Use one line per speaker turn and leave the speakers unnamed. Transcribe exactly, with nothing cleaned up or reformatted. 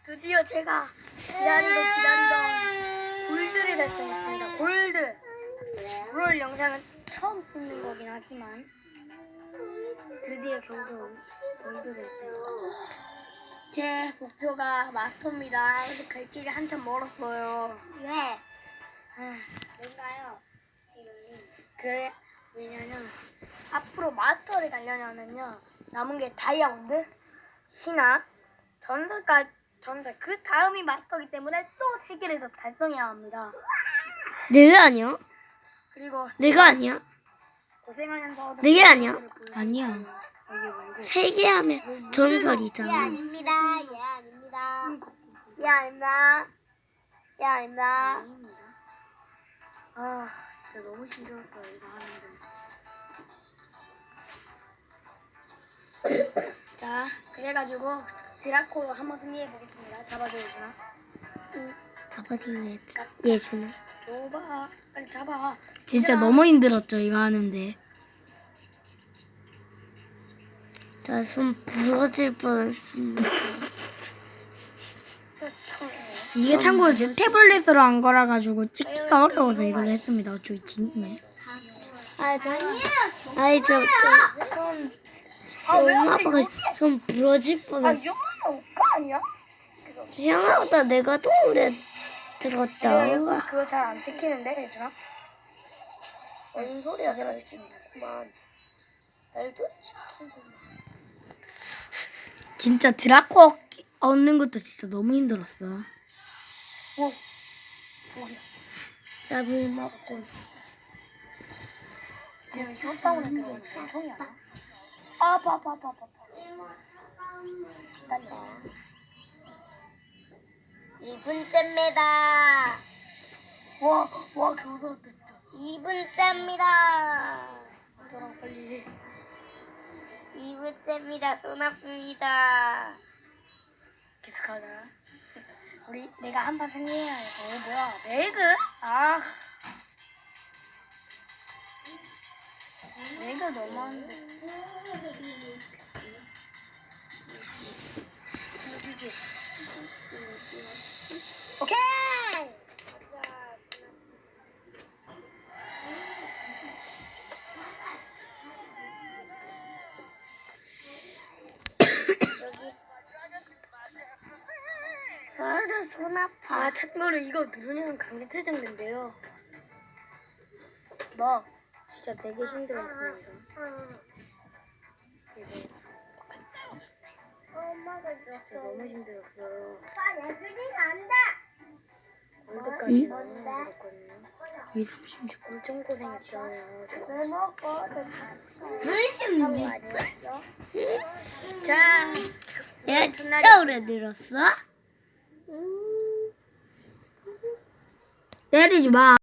드디어 제가 기다리고 기다리던 골드를 달성했습니다. 골드. 롤 영상은 처음 찍는 거긴 하지만 드디어 겨우겨우 골드를 했습니다. 제 목표가 마스터입니다. 그래서 갈 길이 한참 멀었어요.
왜?
아,
뭔가요?
그래 왜냐면 앞으로 마스터를 가려면요 남은 게 다이아몬드, 신화, 전설까 전설 그 다음이 마스터이기 때문에 또 세 개를 더 달성해야 합니다.
내가 아니야?
그리고
내가 아니야?
고생하면서
내게 아니야?
아니야.
세 개 하면
예
전설이잖아.
아닙니다. 예 아닙니다. 예 아닙니다. 예 아닙니다.
아 진짜 너무 힘들었어요 이거 하는데. 자 그래가지고 드라코 한번 승리해 보겠습니다. 잡아줘요 준아.
잡아주네. 예준아.
줘봐 빨리 잡아.
진짜
얘들아.
너무 힘들었죠 이거 하는데. 자, 손 부러질 뻔했습니다. 이게 참고로 제 태블릿으로 한 거라 가지고 찍기가 어려워서 이걸 했습니다. 저기 진네.
아 저니요.
아이 저, 저 손,
아왜
엄마
하필
아빠가
여기?
손 부러질
아
뻔했어.
영화는 오빠 아니야?
형아보다 내가 더 오래 들었다.
야, 이거 그거 잘 안 찍히는데 예준아? 뭔 소리야 잘 찍히는데만 날도 찍히고.
진짜 드라코 얻는 것도 진짜 너무 힘들었어.
오 여기다.
나물 먹고.
지금 소방울에 들어있는 총이 아니야? 아, 아파 아파 아파 아파. 기다려.
이 분째입니다.
와, 와, 겨우살았다 진짜.
이 분째입니다.
저랑 빨리.
이 분째입니다. 손 아픕니다.
계속하자. 우리 내가 한 판 승리해야 돼. 어, 뭐야? 매그? 아. 매그 너무한데. 여기. 오케이.
아, 나 손 아파.
아, 참고로 이거 누르면 강제 퇴장된대요. 뭐 진짜 되게 힘들었습니다. 이거
엄마가
진짜 너무 힘들었어요.
오빠 예술이가 안 돼.
월드까지
응?
너무 힘들었거든요.
이 삼십육.
엄청 고생했잖아요. 저.
왜 먹어?
삼십육.
아니었어?
자,
내가 진짜 오래 들었어? 때리지 마.